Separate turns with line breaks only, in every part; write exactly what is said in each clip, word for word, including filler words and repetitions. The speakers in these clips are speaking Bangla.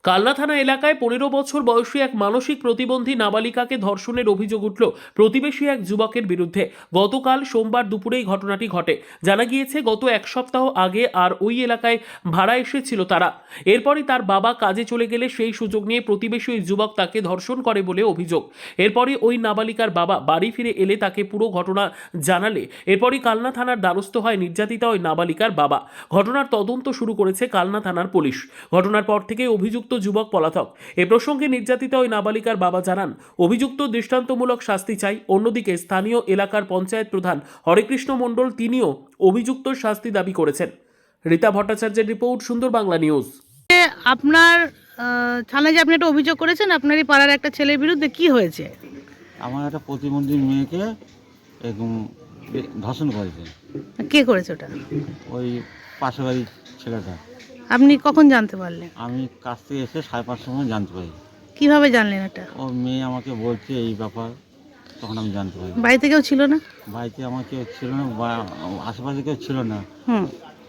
কালনা থানা এলাকায় পনেরো বছর বয়সী এক মানসিক প্রতিবন্ধী নাবালিকাকে ধর্ষণের অভিযোগ উঠল প্রতিবেশী এক যুবকের বিরুদ্ধে। গতকাল সোমবার দুপুরেই ঘটনাটি ঘটে। জানা গিয়েছে গত এক সপ্তাহ আগে আর ওই এলাকায় ভাড়া এসেছিল তারা। এরপরই তার বাবা কাজে চলে গেলে সেই সুযোগ নিয়ে প্রতিবেশী ওই যুবক তাকে ধর্ষণ করে বলে অভিযোগ। এরপরই ওই নাবালিকার বাবা বাড়ি ফিরে এলে তাকে পুরো ঘটনা জানালে এরপরই কালনা থানার দ্বারস্থ হয় নির্যাতিতা ওই নাবালিকার বাবা। ঘটনার তদন্ত শুরু করেছে কালনা থানার পুলিশ। ঘটনার পর থেকে অভিযুক্ত যুবক পলাতক। এ প্রসঙ্গে নির্যাতিতা ওই নাবালিকার বাবা জানান, অভিযুক্ত দৃষ্টান্তমূলক শাস্তি চাই। অন্যদিকে স্থানীয় এলাকার পঞ্চায়েত প্রধান হরেকৃষ্ণ মণ্ডল তিনিও অভিযুক্ত শাস্তি দাবি করেছেন। রীতা ভট্টাচার্যের রিপোর্ট, সুন্দর বাংলা নিউজ।
আপনার আহ, থানায় যে আপনি একটা অভিযোগ করেছেন আপনারই পাড়ার একটা ছেলের বিরুদ্ধে, কি হয়েছে?
আমার একটা প্রতিবন্ধী মেয়েকে এরকম ধর্ষণ করেছে।
কে করেছে ওটা?
ওই পাশের বাড়ির ছেলেটা।
আপনি কখন জানতে পারলেন?
আমি কাছ থেকে এসে সাড়ে পাঁচটার সময় জানতে পারি।
কিভাবে জানলেন এটা?
ও মেয়ে আমাকে বলছে এই ব্যাপার, তখন আমি জানতে পারি।
বাড়িতে কেউ ছিল না?
বাড়িতে আমার কেউ ছিল না, বা আশেপাশে কেউ ছিল না।
হুম।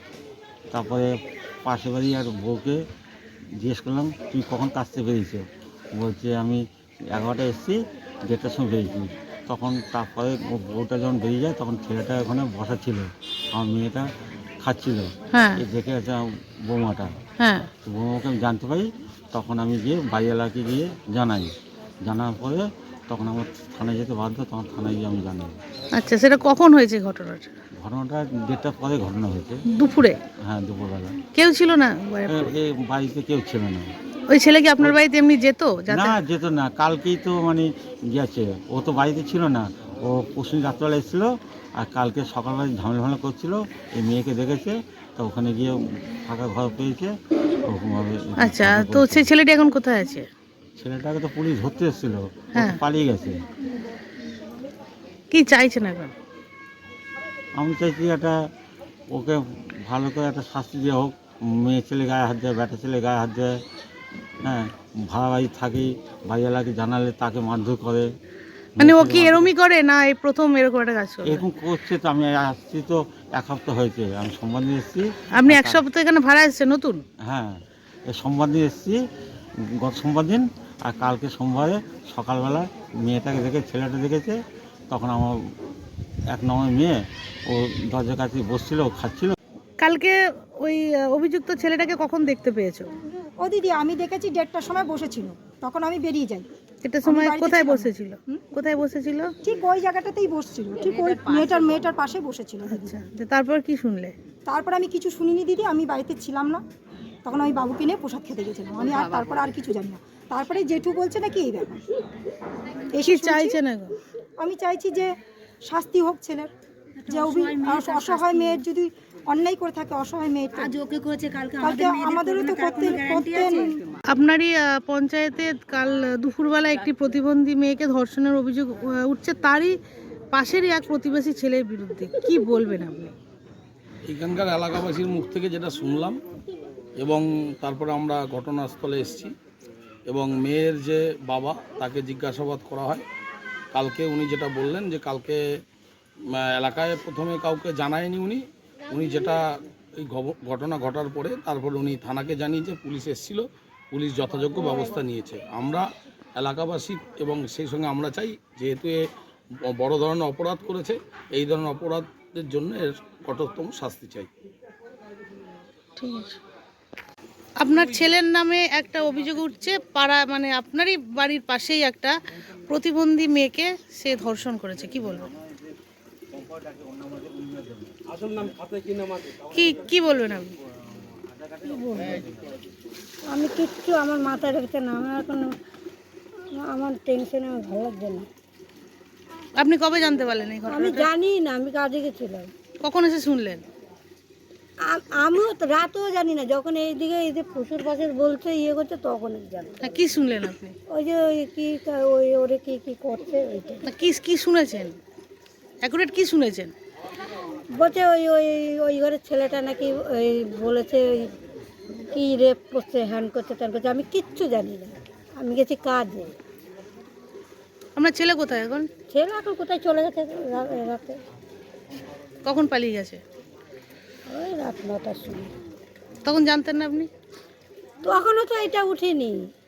তারপরে পাশের বাড়ি আর বউকে জিজ্ঞেস করলাম তুই কখন কাছ থেকে বেরিয়েছো? বলছে আমি এগারোটায় এসেছি, দেড়টার সময় বেরিয়েছি। তখন তারপরে ও বউটা যখন বেরিয়ে যায় তখন ছেলেটা ওখানে বসা ছিল, আমার মেয়েটা খাচ্ছিল।
হ্যাঁ
এই দেখে আছে বৌমাটা।
হ্যাঁ।
তো বৌমাকে আমি জানতে পারি, তখন আমি গিয়ে বাড়ি এলাকাকে গিয়ে জানাই। জানার পরে তখন আমার থানায় যেতে বাধ্য, তখন থানায় গিয়ে আমি জানাই।
আচ্ছা, সেটা কখন হয়েছে ঘটনাটা?
ঘটনাটা দেড়টার পরে ঘটনা হয়েছে।
দুপুরে?
হ্যাঁ, দুপুরবেলা।
কেউ ছিল না বাড়িতে?
এ- এই বাড়িতে কেউ ছিল না।
ওই ছেলে কি আপনার বাড়িতে এমনি যেত? যাতে
না, যেত না। কালকেই তো মানে গেছে, ও তো বাড়িতে ছিল না। ও পরশু রাত্রবেলা এসেছিলো, আর কালকে সকালবেলা ঝামেলা ঝামেলা করছিল। এই মেয়েকে দেখেছে, তো ওখানে গিয়ে ফাঁকা ঘর পেয়েছে, ওরকমভাবে।
আচ্ছা, তো সেই ছেলেটি এখন কোথায় আছে?
ছেলেটাকে তো পুলিশ ধরতে এসেছিল, ও তো
হ্যাঁ।
পালিয়ে গেছে।
কি চাইছেন এখন?
আমি চাইছি একটা ওকে ভালো করে একটা শাস্তি দেওয়া হোক। মেয়ে ছেলে গায়ে হাত দেয়, বেটা ছেলে গায়ে হাত দেয়। হ্যাঁ, ভাড়া বাড়ি থাকি, বাড়ি এলাকাকে জানালে তাকে মারধর করে।
মানে ও
মেয়ে
কি
ছেলে
এরমই করে না এই প্রথম এরকম একটা কাজ করে?
এরকম করছে। তো আমি আসছি তো এক সপ্তাহ হয়েছে, আমি সোমবার দিন এসেছি।
আপনি এক সপ্তাহ এখানে ভাড়া এসেছেন নতুন?
হ্যাঁ, এই সোমবার দিন এসেছি, গত সোমবার দিন। আর কালকে সোমবারে সকালবেলা মেয়েটাকে দেখে, ছেলেটা দেখেছে, তখন আমার এক নম্বর মেয়ে ও দরজার কাছে বসছিল, ও খাচ্ছিল।
কালকে ওই আহ, অভিযুক্ত ছেলেটাকে কখন দেখতে পেয়েছো?
ও দিদি, আমি দেখেছি দেড়টার সময় বসেছিল, তখন আমি বেরিয়ে যাই।
এটা সময়
বাড়িতে
কোথায়
ছিলাম না।
বসেছিল?
হুম?
কোথায় বসেছিল?
ঠিক ওই জায়গাটাতেই বসছিল, ঠিক ওই মেয়েটার মেয়েটার পাশে বসেছিল দিদি।
আচ্ছা, তো তারপর কি শুনলে?
তারপর আমি কিছু শুনিনি দিদি, আমি বাড়িতে ছিলাম না। তখন আমি বাবুকে নিয়ে প্রসাদ খেতে গেছিলাম, আমি আর তারপর আর কিছু জানি না। তারপরে জেঠু বলছে নাকি এই ব্যাপার। এসে
কি
শুনছি,
চাইছেন এখন?
আমি চাইছি যে শাস্তি হোক ছেলের, যে অভি- অসহায় মেয়ের যদি অন্যায় করে থাকে, অসহায় মেয়ের
আজ ওকে করেছে, কালকে
কালকে আমাদেরও তো করতে করতে
আপনারই আহ, পঞ্চায়েতে কাল দুপুরবেলা একটি প্রতিবন্ধী মেয়েকে ধর্ষণের অভিযোগ আহ, উঠছে, তারই পাশেরই এক প্রতিবেশী ছেলের বিরুদ্ধে, কি বলবেন আপনি?
এখানকার এলাকাবাসীর মুখ থেকে যেটা শুনলাম, এবং তারপরে আমরা ঘটনাস্থলে এসেছি, এবং মেয়ের যে বাবা তাকে জিজ্ঞাসাবাদ করা হয়। কালকে উনি যেটা বললেন যে কালকে আহ, এলাকায় প্রথমে কাউকে জানায়নি উনি উনি যেটা এই ঘব- ঘটনা ঘটার পরে তারপরে উনি থানাকে জানিয়েছে, পুলিশ এসেছিল, পুলিশ যথাযোগ্য ব্যবস্থা নিয়েছে। আমরা এলাকাবাসী এবং সেই সঙ্গে আমরা চাই, যেহেতু এ ব- বড় ধরনের অপরাধ করেছে, এই ধরনের অপরাধের জন্য এর কঠোরতম শাস্তি চাই।
ঠিক আছে। আপনার ছেলের নামে একটা অভিযোগ উঠছে, পাড়া মানে আপনারই বাড়ির পাশেই একটা প্রতিবন্ধী মেয়েকে সে ধর্ষণ করেছে, কি বলবেন? কি কি বলবেন আপনি?
আমি কিচ্ছু আমার মাথায় রেখেছে না, আমার এখন আমার টেনশনে আমার ভালো লাগছে না।
আপনি কবে জানতে পারলেন এই
আমি
ঘটনাটা?
জানি না, আমি কাজে গেছিলাম।
কখন এসে শুনলেন?
আ- আমিও তো রাতেও জানি না, যখন এইদিকে এই যে ফুসুর পাশের বলছে ইয়ে করছে তখন জানি।
হ্যাঁ, কি শুনলেন আপনি?
ওই যে ওই কি ওই ওরে কি কি করছে ওইটা
না, কি কি শুনেছেন? অ্যাকুরেট কি শুনেছেন?
বলছে ওই ওই ওই ঘরের ছেলেটা নাকি ওই বলেছে ওই কি রেপ করছে, হ্যান্ড করছে, ত্যান করছে। আমি কিচ্ছু জানি না, আমি গেছি কাজে।
আপনার ছেলে কোথায় এখন?
ছেলে এখন কোথায় চলে গেছে রা- রাতে,
কখন পালিয়ে গেছে?
ওই রাত নটার সময়।
তখন জানতেন না আপনি?
তখনও তো এটা উঠেনি।